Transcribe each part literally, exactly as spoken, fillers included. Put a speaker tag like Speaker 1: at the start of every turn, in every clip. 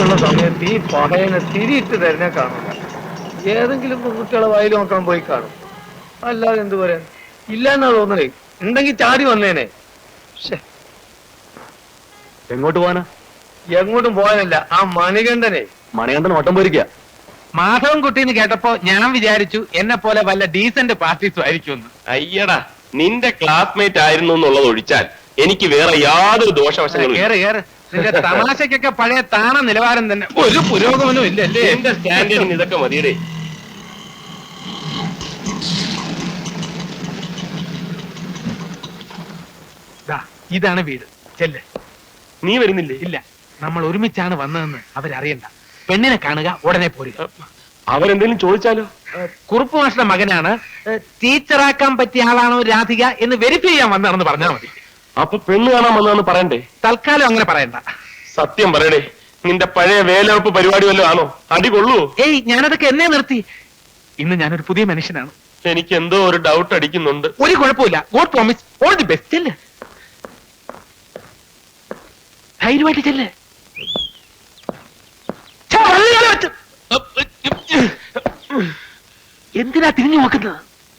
Speaker 1: എന്നുള്ള സമയത്ത് ഈ പഹയനെ തിരിയിട്ട് തരുന്ന കാണുക. ഏതെങ്കിലും പെൺകുട്ടികളെ വായിൽ നോക്കാൻ പോയി കാണും. അല്ലാതെ എന്തു പറയാൻ? ഇല്ല എന്നാ തോന്നണേ. ഉണ്ടെങ്കിൽ ചാടി വന്നേനെ.
Speaker 2: എങ്ങോട്ട് പോവാനാ?
Speaker 1: എങ്ങോട്ടും പോകാനല്ല, ആ മണികണ്ഠനെ.
Speaker 2: മണികണ്ഠൻ ഓട്ടം പോയിരിക്കുക.
Speaker 3: മാധവൻ കുട്ടിന്ന് കേട്ടപ്പോ ഞാൻ വിചാരിച്ചു എന്നെ പോലെ വല്ല ഡീസന്റ് പാർട്ടീസും ആയിരിക്കും.
Speaker 4: അയ്യടാ, നിന്റെ ക്ലാസ്മേറ്റ് ആയിരുന്നു എന്നുള്ളത് ഒഴിച്ചാൽ എനിക്ക് വേറെ യാതൊരു ദോഷവശങ്ങളും
Speaker 3: കേറ് കേറ്. നിന്റെ തമാശക്കൊക്കെ പഴയ താണ നിലവാരം തന്നെ, ഒരു പുരോഗമനവും ഇല്ലല്ലേ?
Speaker 4: എന്റെ സ്റ്റാൻഡേർഡിന് ഇതൊക്കെ മതിയടേ.
Speaker 3: ഇതാണ് വീട്, ചെല്ല്.
Speaker 4: നീ വരുന്നില്ലേ?
Speaker 3: ഇല്ല, നമ്മൾ ഒരുമിച്ചാണ് വന്നതെന്ന് അവരറിയണ്ട. പെണ്ണിനെ കാണുക, ഉടനെ പോരുക.
Speaker 4: അവരെന്തെങ്കിലും ചോദിച്ചാലോ?
Speaker 3: കുറുപ്പ് മാഷ്ട മകനാണ്, ടീച്ചറാക്കാൻ പറ്റിയ ആളാണോ രാധിക എന്ന് വെരിഫൈ ചെയ്യാൻ വന്നതാണെന്ന് പറഞ്ഞാൽ മതി.
Speaker 4: അപ്പൊ പെണ്ണ് കാണാൻ വന്നതെന്ന് പറയണ്ടേ?
Speaker 3: തൽക്കാലം അങ്ങനെ പറയണ്ട.
Speaker 4: സത്യം പറയടേ, നിന്റെ പഴയ വേലവെപ്പ് പരിപാടി വല്ലതും ആണോ? അടി കൊള്ളുവോ?
Speaker 3: ഏയ്, ഞാനതൊക്കെ എന്നെ നിർത്തി. ഇന്ന് ഞാനൊരു പുതിയ മനുഷ്യനാണ്.
Speaker 4: എനിക്ക് എന്തോ ഒരു ഡൗട്ട് അടിക്കുന്നുണ്ട്.
Speaker 3: ഒരു കുഴപ്പമില്ല. God promise all the best. ചെല്ല്, ധൈര്യമായിട്ട് ചെല്ല്. എന്തിനാ തിരിഞ്ഞു നോക്കുന്നത്?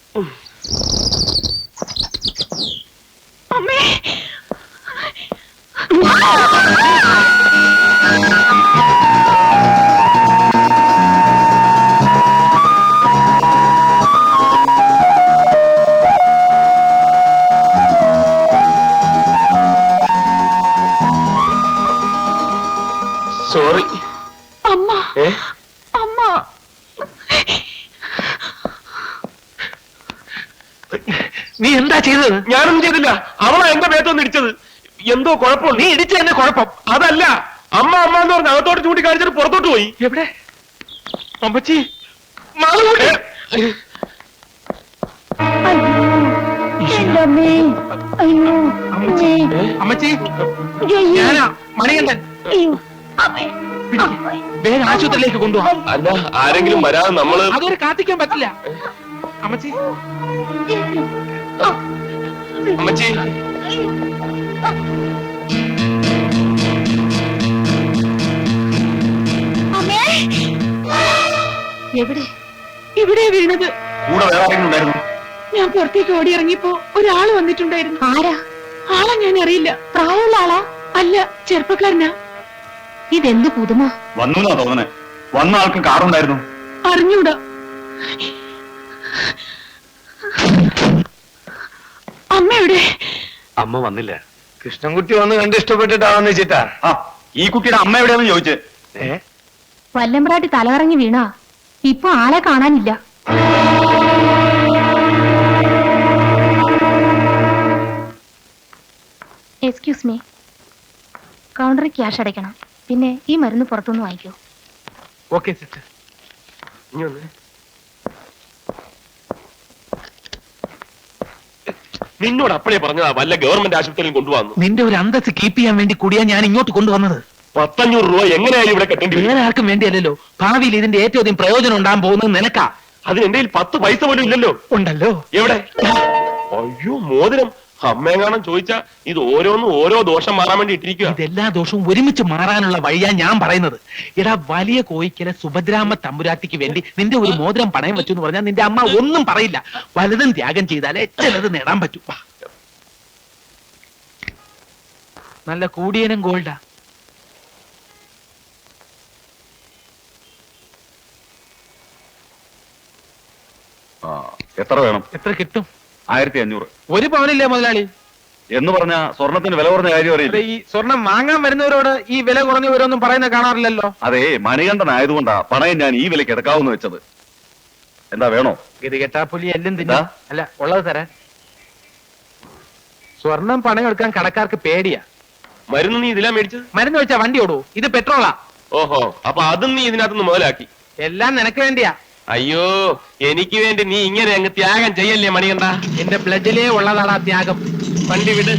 Speaker 4: സോറി.
Speaker 5: അമ്മ
Speaker 4: ഏ
Speaker 5: അമ്മ
Speaker 3: നീ എന്താ ചെയ്തത്?
Speaker 4: ഞാനൊന്നും ചെയ്തില്ല. അവളാ എന്റെ മേത്തൊന്ന് ഇടിച്ചത്. എന്തോ കുഴപ്പമുണ്ട്.
Speaker 3: നീ ഇടിച്ച എന്നെ കുഴപ്പം.
Speaker 4: അതല്ല, അമ്മ അമ്മ എന്ന് പറഞ്ഞ് അകത്തോട്ട് ചൂണ്ടിക്കാണിച്ചിട്ട് പുറത്തോട്ട് പോയി.
Speaker 3: എവിടെ? അമ്മച്ചി, അമ്മച്ചി, ഞാനാ മണികണ്ഠൻ. വേഗം ആശുപത്രിയിലേക്ക് കൊണ്ടുപോകാം.
Speaker 4: അല്ല, ആരെങ്കിലും വരാതെ നമ്മള്
Speaker 3: അതൊരു കാത്തിക്കാൻ പറ്റില്ല. അമ്മച്ചി,
Speaker 4: അമ്മച്ചി,
Speaker 5: എവിടെ? ഇവിടെ വീണത്.
Speaker 2: കൂടെ വേറെ ആരെങ്കിലും ഉണ്ടായിരുന്നു?
Speaker 5: ഞാൻ പുറത്തേക്ക് ഓടി ഇറങ്ങിയപ്പോ ഒരാള് വന്നിട്ടുണ്ടായിരുന്നു. ആരാ? ആളെ ഞാൻ അറിയില്ല. പ്രായമുള്ള ആളാ? അല്ല, ചെറുപ്പക്കാരനാ. ഇതെന്ത് പുതുമ?
Speaker 2: വന്നു തോന്നണേ. വന്ന ആൾക്ക് കാറുണ്ടായിരുന്നു?
Speaker 5: അറിഞ്ഞൂടാ. അമ്മ എവിടെ?
Speaker 2: അമ്മ വന്നില്ല.
Speaker 1: കൃഷ്ണൻകുട്ടി വന്ന് കണ്ട് ഇഷ്ടപ്പെട്ടിട്ടാണെന്ന് വെച്ചിട്ടാ.
Speaker 2: ആ, ഈ കുട്ടിയുടെ അമ്മ എവിടെയാന്ന് ചോദിച്ചേ.
Speaker 1: ഏ
Speaker 5: വല്ലമ്പ്രാട്ടി തലകറങ്ങി വീണാ. ഇപ്പൊ ആളെ കാണാനില്ല. എക്സ്ക്യൂസ് മീ, കൗണ്ടറിൽ ക്യാഷ് അടയ്ക്കണം. പിന്നെ ഈ മരുന്ന് പുറത്തുനിന്ന് വാങ്ങിക്കൂ.
Speaker 3: Okay sister.
Speaker 4: നിന്നോട് അപ്പഴേ പറഞ്ഞതാ വല്ല ഗവൺമെന്റ് ആശുപത്രിയിൽ കൊണ്ടുവന്നു.
Speaker 3: നിന്റെ ഒരു അന്തസ് കീപ്പ് ചെയ്യാൻ വേണ്ടി കൂടിയാ ഞാൻ ഇങ്ങോട്ട് കൊണ്ടുവന്നത്.
Speaker 4: പത്തഞ്ഞൂറ് രൂപ എങ്ങനെയായി ഇവിടെ കെട്ടേണ്ടി വരും?
Speaker 3: വേറെ ആർക്കും വേണ്ടിയല്ലോ. ഭാവിയിൽ ഇതിന്റെ ഏറ്റവും അധികം പ്രയോജനം ഉണ്ടാകാൻ പോകുന്നത് നിനക്കാ.
Speaker 4: അതിന് എന്റെ പത്ത് പൈസ പോലും ഇല്ലല്ലോ.
Speaker 3: ഉണ്ടല്ലോ.
Speaker 4: എവിടെ? അയ്യോ, മോതിരം. അമ്മയെങ്ങാനും ചോദിച്ചാ ഇത് ഓരോന്നും ഓരോ ദോഷം മാറാൻ വേണ്ടി ഇട്ടിരിക്കുക.
Speaker 3: ഇതെല്ലാ ദോഷവും ഒരുമിച്ച് മാറാനുള്ള വഴിയാ ഞാൻ പറയുന്നത്. എടാ, വലിയ കോയിക്കലെ സുഭദ്രാമ്മ തമ്പുരാട്ടിക്ക് വേണ്ടി നിന്റെ ഒരു മോതിരം പണയം വെച്ചു എന്ന് പറഞ്ഞാൽ നിന്റെ അമ്മ ഒന്നും പറയില്ല. വലുതും ത്യാഗം ചെയ്താലേ ചിലത് നേടാൻ പറ്റൂ. നല്ല കൂടിയനും ഗോൾഡാ.
Speaker 2: എത്ര വേണം?
Speaker 3: എത്ര കിട്ടും?
Speaker 2: ആയിരത്തി അഞ്ഞൂറ്.
Speaker 3: ഒരു പവനില്ലേ മുതലാളി?
Speaker 2: എന്ന് പറഞ്ഞ സ്വർണത്തിന് വില കുറഞ്ഞ കാര്യം അറിയില്ല.
Speaker 3: ഈ സ്വർണം വാങ്ങാൻ വരുന്നവരോട് ഈ വില കുറഞ്ഞവരൊന്നും പറയുന്ന കാണാറില്ലല്ലോ.
Speaker 2: അതെ, മണികണ്ഠൻ ആയതുകൊണ്ടാ പണയം ഞാൻ ഈ വിലക്ക് എടുക്കാവുന്ന വെച്ചത്. എന്താ വേണോ?
Speaker 3: ഇത് കെട്ടാപ്പുലി എല്ലാം തിന്നാ. അല്ല, ഉള്ളത് തരാൻ. സ്വർണം പണയം എടുക്കാൻ കടക്കാർക്ക് പേടിയാ.
Speaker 4: മരുന്ന് നീ ഇതിലാ മേടിച്ചത്?
Speaker 3: മരുന്ന് വെച്ചാ വണ്ടി ഓടൂ. ഇത് പെട്രോളാ.
Speaker 4: ഓഹോ, അപ്പൊ അതും നീ ഇതിനകത്തുനിന്ന് മുതലാക്കി.
Speaker 3: എല്ലാം നിനക്ക് വേണ്ടിയാ.
Speaker 4: അയ്യോ, എനിക്ക് വേണ്ടി നീ ഇങ്ങനെ അങ്ങ് ത്യാഗം ചെയ്യല്ലേ മണികണ്ഠ.
Speaker 3: എന്റെ ബ്ലഡിലേ ഉള്ളതാണ് ആ ത്യാഗം.
Speaker 4: വണ്ടി വിട്.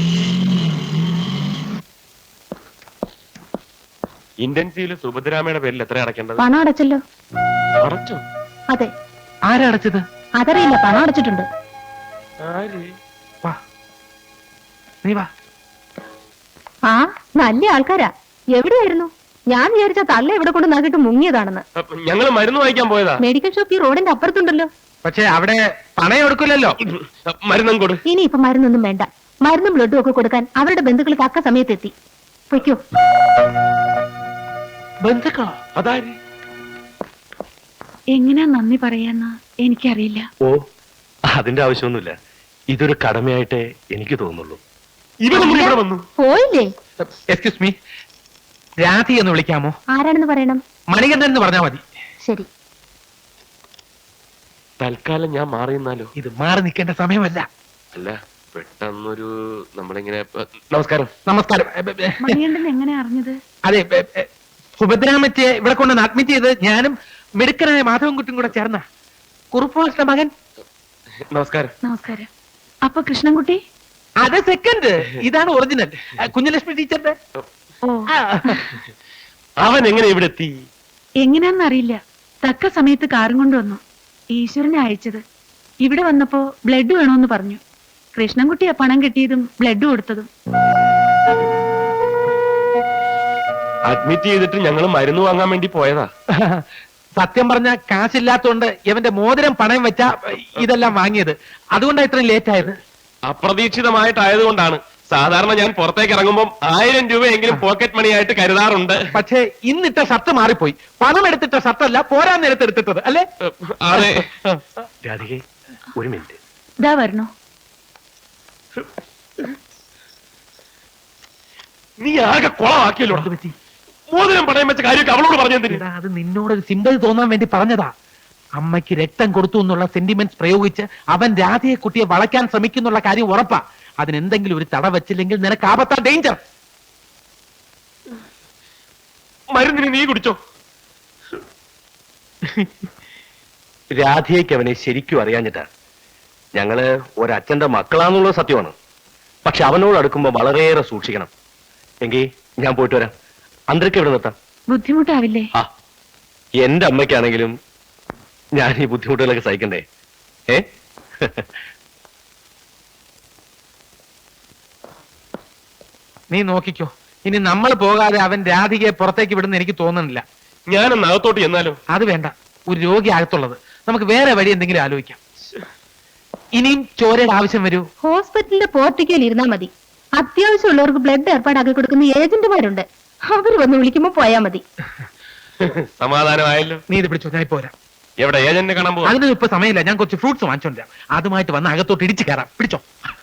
Speaker 4: ഇന്റൻസീവില് സുഭദ്രാമയുടെ പേരിൽ എത്ര അടയ്ക്കേണ്ടത്?
Speaker 5: പണം അടച്ചല്ലോ.
Speaker 4: അടച്ചോ?
Speaker 5: അതെ.
Speaker 3: ആരടച്ചത്?
Speaker 5: അതറിയില്ല, പണം അടച്ചിട്ടുണ്ട്.
Speaker 4: ആര്?
Speaker 3: വാ, നീ വാ.
Speaker 5: ആ, നല്ല ആൾക്കാരാ. എവിടെയായിരുന്നു?
Speaker 6: ഞാൻ വിചാരിച്ച തള്ള ഇവിടെ കൊണ്ട് നാക്കിട്ട് മുങ്ങിയതാണെന്ന്.
Speaker 4: ഞങ്ങൾ മരുന്ന് വാങ്ങിക്കാൻ പോയതാ.
Speaker 6: മെഡിക്കൽ ഷോപ്പ് ഈ റോഡിന്റെ അപ്പുറത്തുണ്ടല്ലോ.
Speaker 3: പക്ഷെ അവിടെ പണയം എടുക്കില്ലല്ലോ.
Speaker 4: മരുന്നും കൊടു.
Speaker 6: ഇനി ഇപ്പൊ മരുന്നൊന്നും വേണ്ട. മരുന്നും ബ്ലഡും ഒക്കെ കൊടുക്കാൻ അവരുടെ ബന്ധുക്കൾ തക്ക സമയത്തെത്തി. പൊയ്ക്കോ.
Speaker 3: ബന്ധുക്കളോ?
Speaker 4: അതാര്?
Speaker 5: എങ്ങനെയാ നന്ദി പറയാന്ന് എനിക്കറിയില്ല.
Speaker 7: ഓ, അതിന്റെ ആവശ്യമൊന്നുമില്ല. ഇതൊരു കടമയായിട്ടേ എനിക്ക് തോന്നുള്ളൂ.
Speaker 4: ഇവരും കൂടി ഇവിടെ വന്നു.
Speaker 6: പോയില്ലേ?
Speaker 3: എക്സ്ക്യൂസ് മീ, രാധി എന്ന് വിളിക്കാമോ?
Speaker 6: ആരാണെന്ന് പറയണം?
Speaker 3: മണികണ്ഠൻ എന്ന് പറഞ്ഞാൽ മതി.
Speaker 6: ശരി.
Speaker 4: തൽക്കാലം ഞാൻ മാറി നിന്നാലോ?
Speaker 3: ഇത് മാറി നിൽക്കേണ്ട സമയമല്ല.
Speaker 4: അല്ല, പെട്ടെന്നൊരു നമ്മളിങ്ങനെ നമസ്കാരം.
Speaker 3: നമസ്കാരം. എ, എ, എ,
Speaker 5: മണികണ്ഠൻ എങ്ങനെ അറിഞ്ഞത്?
Speaker 3: അതെ, എ, എ, സുഭദ്രാമത്തെ ഇവിടെ കൊണ്ട് അഡ്മിറ്റ് ചെയ്ത് ഞാനും മിടുക്കനായ മാധവൻകുട്ടിയും കൂടെ ചേർന്ന കുറുപ്പോസിന്റെ മകൻ.
Speaker 4: നമസ്കാരം.
Speaker 5: നമസ്കാരം. അപ്പൊ കൃഷ്ണൻകുട്ടി?
Speaker 3: അത് സെക്കൻഡ്, ഇതാണ് ഒറിജിനൽ. കുഞ്ഞലക്ഷ്മി ടീച്ചറിന്റെ.
Speaker 5: ഓ,
Speaker 3: ആ,
Speaker 4: അവൻ എങ്ങനെ ഇവിടെ എത്തി?
Speaker 5: എങ്ങനെയാന്നറിയില്ല. തക്ക സമയത്ത് കാറും കൊണ്ടുവന്നു. ഈശ്വരനെ അയച്ചത്. ഇവിടെ വന്നപ്പോ ബ്ലഡ് വേണോന്ന് പറഞ്ഞു. കൃഷ്ണൻകുട്ടിയാ പണം കിട്ടിയതും ബ്ലഡ് കൊടുത്തതും.
Speaker 4: അഡ്മിറ്റ് ചെയ്തിട്ട് ഞങ്ങൾ മരുന്ന് വാങ്ങാൻ വേണ്ടി പോയതാ.
Speaker 3: സത്യം പറഞ്ഞ കാശില്ലാത്തോണ്ട് ഇവന്റെ മോതിരം പണയം വെച്ചാ ഇതെല്ലാം വാങ്ങിയത്. അതുകൊണ്ടാണ് ഇത്രയും ലേറ്റ് ആയത്.
Speaker 4: അപ്രതീക്ഷിതമായിട്ടായതുകൊണ്ടാണ്. സാധാരണ ഞാൻ പുറത്തേക്ക് ഇറങ്ങുമ്പോൾ ആയിരം രൂപയെങ്കിലും പോക്കറ്റ് മണി ആയിട്ട് കരുതാറുണ്ട്.
Speaker 3: പക്ഷേ ഇന്നിട്ട ഷർട്ട് മാറിപ്പോയി. പണം എടുത്തിട്ട ഷർട്ടല്ല, പോരാൻ നേരത്തെ എടുത്തിട്ടത് അല്ലേ?
Speaker 4: അതെ.
Speaker 7: രാധികെ, ഒരു മിനിറ്റ്.
Speaker 5: ഇതാ വരണോ?
Speaker 4: നീ ആകെ കുളമാക്കിയല്ലോ.
Speaker 3: എന്ത് പറ്റി?
Speaker 4: മോതിരം പണയം വെച്ച കാര്യമൊക്കെ അവളോട് പറഞ്ഞെന്തിന്?
Speaker 3: എടാ, അത് നിന്നോടൊരു സിമ്പതി തോന്നാൻ വേണ്ടി പറഞ്ഞതാ. അമ്മയ്ക്ക് രക്തം കൊടുത്തു എന്നുള്ള സെന്റിമെന്റ്സ് പ്രയോഗിച്ച് അവൻ രാധയെ കുട്ടിയെ വളയ്ക്കാൻ ശ്രമിക്കുന്നുള്ള കാര്യം ഉറപ്പാ. അതിനെന്തെങ്കിലും ഒരു തട വെച്ചില്ലെങ്കിൽ നിനക്ക് ആപത്താ, ഡേഞ്ചർ.
Speaker 4: മരുന്നിന് നീ കുടിച്ചോ?
Speaker 7: രാധികയ്ക്ക് അവനെ ശരിക്കും അറിയാഞ്ഞിട്ടാ. ഞങ്ങള് ഒരച്ഛന്റെ മക്കളാന്നുള്ളത് സത്യമാണ്. പക്ഷെ അവനോട് അടുക്കുമ്പോ വളരെയേറെ സൂക്ഷിക്കണം. എങ്കിൽ ഞാൻ പോയിട്ട് വരാം. അന്തരക്ക് എവിടെ നിർത്താം?
Speaker 5: ബുദ്ധിമുട്ടാവില്ലേ?
Speaker 7: ആ, എന്റെ അമ്മയ്ക്കാണെങ്കിലും ഞാൻ ഈ ബുദ്ധിമുട്ടുകളൊക്കെ സഹിക്കണ്ടേ? ഏ
Speaker 3: നീ നോക്കിക്കോ, ഇനി നമ്മൾ പോകാതെ അവൻ രാധികയെ പുറത്തേക്ക് വിടുന്ന എനിക്ക് തോന്നുന്നില്ല.
Speaker 4: ഞാനൊന്ന് അകത്തോട്ട് ചെന്നാലോ?
Speaker 3: അത് വേണ്ട, ഒരു രോഗി അകത്തുള്ളത്. നമുക്ക് വേറെ വഴി എന്തെങ്കിലും ആലോചിക്കാം. ഇനിയും ചോരയുടെ ആവശ്യം വരൂ?
Speaker 6: ഹോസ്പിറ്റലിന്റെ പോർട്ടിക്കയിൽ ഇരുന്നാ മതി. അത്യാവശ്യമുള്ളവർക്ക് ബ്ലഡ് ഏർപ്പാടാക്കി കൊടുക്കുന്ന ഏജന്റുമാരുണ്ട്. അവര് വന്ന് വിളിക്കുമ്പോ പോയാ മതി.
Speaker 4: സമാധാനമായല്ലോ.
Speaker 3: നീ ഇത് പിടിച്ചോ, ഞാൻ പോരാ.
Speaker 4: എവിടെ ഏജന്റ് കാണാൻ പോവാ?
Speaker 3: അതിന് ഇപ്പൊ സമയമില്ല. ഞാൻ കുറച്ച് ഫ്രൂട്ട്സ് വാങ്ങിച്ചോണ്ടാ. അതുമായിട്ട് വന്ന് അകത്തോട്ട് ഇടിച്ചു കയറാം. പിടിച്ചോ.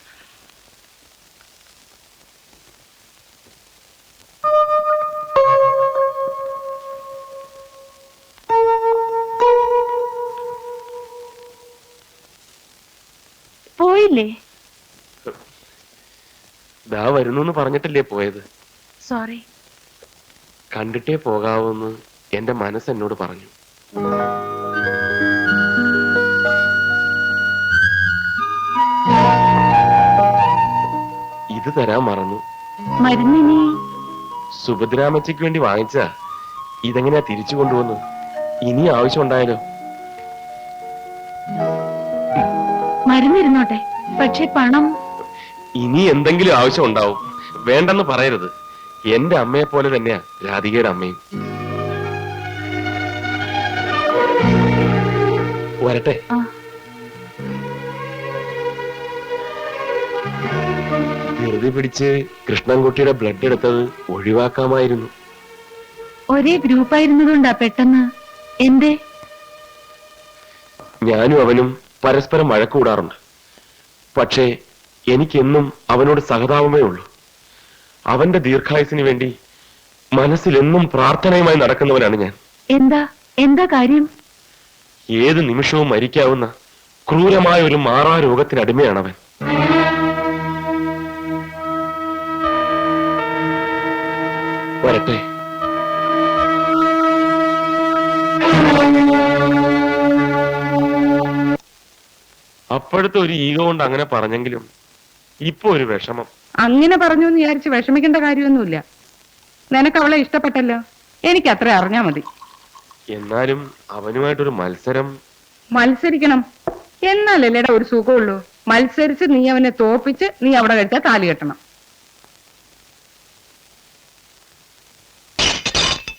Speaker 5: പോയില്ലേ?
Speaker 4: ദാ വരുന്നു പറഞ്ഞിട്ടല്ലേ പോയത്?
Speaker 5: സോറി.
Speaker 4: കണ്ടിട്ടേ പോകാവൂന്ന് എന്റെ മനസ്സ് എന്നോട് പറഞ്ഞു. ഇത് തരാൻ മറന്നു.
Speaker 5: മരുന്നിനി?
Speaker 4: സുഭദ്രാമച്ചയ്ക്ക് വേണ്ടി വാങ്ങിച്ചാ. ഇതെങ്ങനെയാ തിരിച്ചു കൊണ്ടുവന്നു? ഇനി ആവശ്യം ഉണ്ടായാലോ?
Speaker 5: മരുന്നിരുന്നോട്ടെ, പക്ഷെ പണം?
Speaker 4: ഇനി എന്തെങ്കിലും ആവശ്യം ഉണ്ടാവും. വേണ്ടെന്ന് പറയരുത്. എന്റെ അമ്മയെ പോലെ തന്നെയാ രാധികയുടെ അമ്മയും. വരട്ടെ.
Speaker 5: ആ.
Speaker 4: ധൃതി പിടിച്ച് കൃഷ്ണൻകുട്ടിയുടെ ബ്ലഡ് എടുത്തത് ഒഴിവാക്കാമായിരുന്നു.
Speaker 5: ഒരേ ഗ്രൂപ്പായിരുന്നതുകൊണ്ടാ പെട്ടെന്ന്. എന്തേ?
Speaker 4: ഞാനും അവനും പരസ്പരം വഴക്കൂടാറുണ്ട്. പക്ഷേ എനിക്കെന്നും അവനോട് സഹതാപമേ ഉള്ളൂ. അവന്റെ ദീർഘായുസിന് വേണ്ടി മനസ്സിലെന്നും പ്രാർത്ഥനയുമായി നടക്കുന്നവനാണ് ഞാൻ.
Speaker 5: എന്താ എന്താ കാര്യം?
Speaker 4: ഏത് നിമിഷവും മരിക്കാവുന്ന ക്രൂരമായ ഒരു മാറാ രോഗത്തിന് അടിമയാണവൻ. വരട്ടെ. അപ്പോഴത്തെ ഒരു ഈഗോ കൊണ്ട് അങ്ങനെ പറഞ്ഞെങ്കിലും ഇപ്പൊ ഒരു വിഷമം.
Speaker 8: അങ്ങനെ പറഞ്ഞു എന്ന് വിചാരിച്ച് വിഷമിക്കേണ്ട കാര്യമൊന്നുമില്ല. നിനക്ക് അവളെ ഇഷ്ടപ്പെട്ടല്ലോ, എനിക്ക് അത്ര അറിഞ്ഞാ മതി.
Speaker 4: എന്നാലും അവനുമായിട്ടൊരു മത്സരം.
Speaker 8: മത്സരിക്കണം എന്നാലല്ലേടാ ഒരു സുഖമുള്ളൂ. മത്സരിച്ച് നീ അവനെ തോപ്പിച്ച് നീ അവിടെ കഴിച്ചാൽ താലി കെട്ടണം.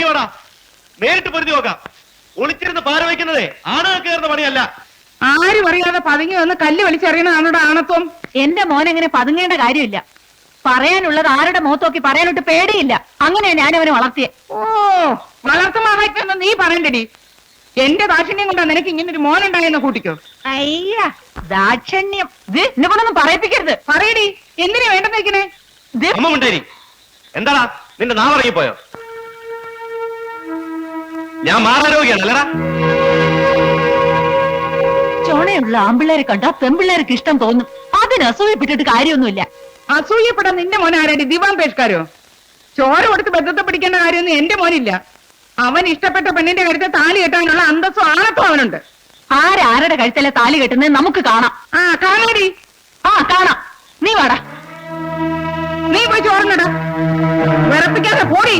Speaker 7: വാടാ, നേരിട്ട് പൊരുതി നോക്കാം. ഒളിച്ചിരുന്ന് പാര വയ്ക്കുന്നതേ ആണുങ്ങൾ കയറുന്ന പണിയല്ല.
Speaker 8: ആരും അറിയാതെ പതുങ്ങി വന്ന് കല്ല് വലിച്ചെറിയണതാണ് ആണത്വം.
Speaker 5: എന്റെ മോൻ അങ്ങനെ പതുങ്ങേണ്ട കാര്യമില്ല. പറയാനുള്ളത് ആരുടെ മുഖത്തോക്കി പറയാനോട്ട് പേടിയില്ല. അങ്ങനെയാ ഞാൻ അവനെ വളർത്തിയെ.
Speaker 8: ഓ, വളർത്തുമാവായിട്ടൊന്ന് നീ പറയണ്ടടി. എന്റെ ദാക്ഷിണ്യം കൊണ്ടാ നിനക്ക് ഇങ്ങനെ ഒരു മോനുണ്ടായെന്ന് കൂട്ടിക്കോ.
Speaker 5: അയ്യ ദാക്ഷണ്യം. ഇത് എന്നെ കൊണ്ടൊന്നും പറയിപ്പിക്കരുത്.
Speaker 8: പറയടി, എന്തിനാ വേണ്ടെന്ന് വെക്കണേ?
Speaker 5: ഇത്
Speaker 7: അമ്മ ഉണ്ടായി. എന്താടാ നിന്റെ നാവിറങ്ങിപ്പോയോ? ഞാൻ മാറാരോഗ്യാണ് അല്ലടാ.
Speaker 5: ചോണയുള്ള ആമ്പിള്ളേരെ കണ്ടാ പെമ്പിള്ളേർക്ക് ഇഷ്ടം തോന്നും. അതിന് അസൂയപ്പെട്ടിട്ട് കാര്യമൊന്നുമില്ല.
Speaker 8: അസൂയപ്പെടാൻ നിന്റെ മോൻ ആരാടി? ദിവാൻ പേഷ്കാരോ? ചോര കൊടുത്ത് ബന്ധത്തെ പിടിക്കേണ്ട കാര്യമൊന്നും എന്റെ മോനില്ല. അവൻ ഇഷ്ടപ്പെട്ട പെണ്ണിന്റെ കഴുത്തെ താലി കെട്ടാനുള്ള അന്തസ്സും ആണത്തും അവനുണ്ട്.
Speaker 5: ആരാരുടെ കഴുത്തലെ താലി കെട്ടുന്നത് നമുക്ക് കാണാം.
Speaker 8: ആ കാണാടി.
Speaker 5: ആ കാണാം. നീ വാടാ.
Speaker 8: നീ പോയി ചോറിനടാ. വിറപ്പിക്കാതെ പോടി.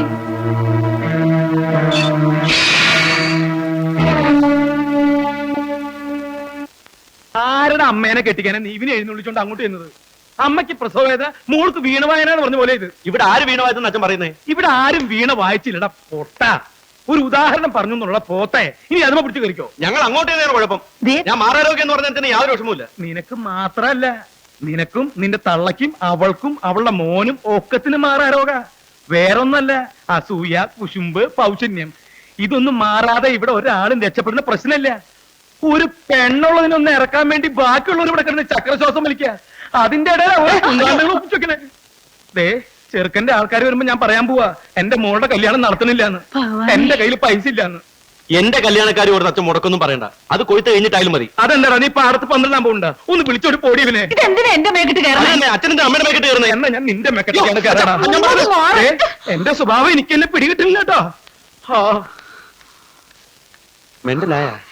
Speaker 3: ആരുടെ അമ്മേനെ കെട്ടിക്കാനെ നീ ഇവനെ എഴുന്നള്ളിച്ചോണ്ട് അങ്ങോട്ട് ചെന്നത്? അമ്മയ്ക്ക് പ്രസവവേദന, മോൾക്ക് വീണ വായന എന്ന് പറഞ്ഞ പോലെ ഇത്.
Speaker 7: ഇവിടെ ആര് വീണവായെന്ന് അച്ഛൻ പറയുന്നേ?
Speaker 3: ഇവിടെ ആരും വീണ വായിച്ചില്ലടാ പൊട്ട. ഒരു ഉദാഹരണം പറഞ്ഞു എന്നുള്ള പോത്തെ ഇനി അതുമ പിടിച്ചു കരിക്കോ?
Speaker 7: ഞങ്ങൾ അങ്ങോട്ട് തന്നെയാണ് കുഴപ്പം. ഞാൻ മാറാരോഗ്യം എന്ന് പറഞ്ഞാൽ തന്നെ യാതൊരു വിഷമമില്ല.
Speaker 3: നിനക്ക് മാത്രല്ല, നിനക്കും നിന്റെ തള്ളക്കും അവൾക്കും അവളുടെ മോനും ഒക്കത്തിന് മാറാരോഗ. വേറൊന്നല്ല, അസൂയ, കുശുമ്പ്, പൗശന്യം ഇതൊന്നും മാറാതെ ഇവിടെ ഒരാളും രക്ഷപ്പെടുന്ന പ്രശ്നമില്ല. ഒരു പെണ്ണുള്ളതിനൊന്ന് ഇറക്കാൻ വേണ്ടി ബാക്കിയുള്ളവർ ഇവിടെ കിടന്ന് ചക്രശ്വാസം വലിക്കുക. അതിന്റെ ഇടയിൽ ദേ ചെറുക്കന്റെ ആൾക്കാർ വരുമ്പോ ഞാൻ പറയാൻ പോവാ എന്റെ മോളുടെ കല്യാണം നടത്തണില്ലാന്ന്, എന്റെ കയ്യിൽ പൈസ ഇല്ലാന്ന്.
Speaker 7: എന്റെ കല്യാണക്കാരി ഒരു അച്ഛൻ മുടക്കൊന്നും പറയണ്ട. അത് കൊയ്ത്ത് കഴിഞ്ഞിട്ടായാലും മതി.
Speaker 3: അതെന്താടാ നീ പാടത്ത് പന്ത്രണ്ടാൻ പോകണ്ട? ഒന്ന് വിളിച്ചോട് പോടി ഇവനെ.
Speaker 5: ഇതെന്തിനാ എന്റെ മേക്കിട്ട് കയറാൻ?
Speaker 7: അച്ഛനെ അമ്മയുടെ മേക്കിട്ട് കയറുന്നേ.
Speaker 3: എന്നാ ഞാൻ നിന്റെ മെക്കറ്റാണ് കയറാ. എന്റെ സ്വഭാവം എനിക്ക് എന്നെ പിടികിട്ടില്ല കേട്ടോ.
Speaker 7: മെന്റലായ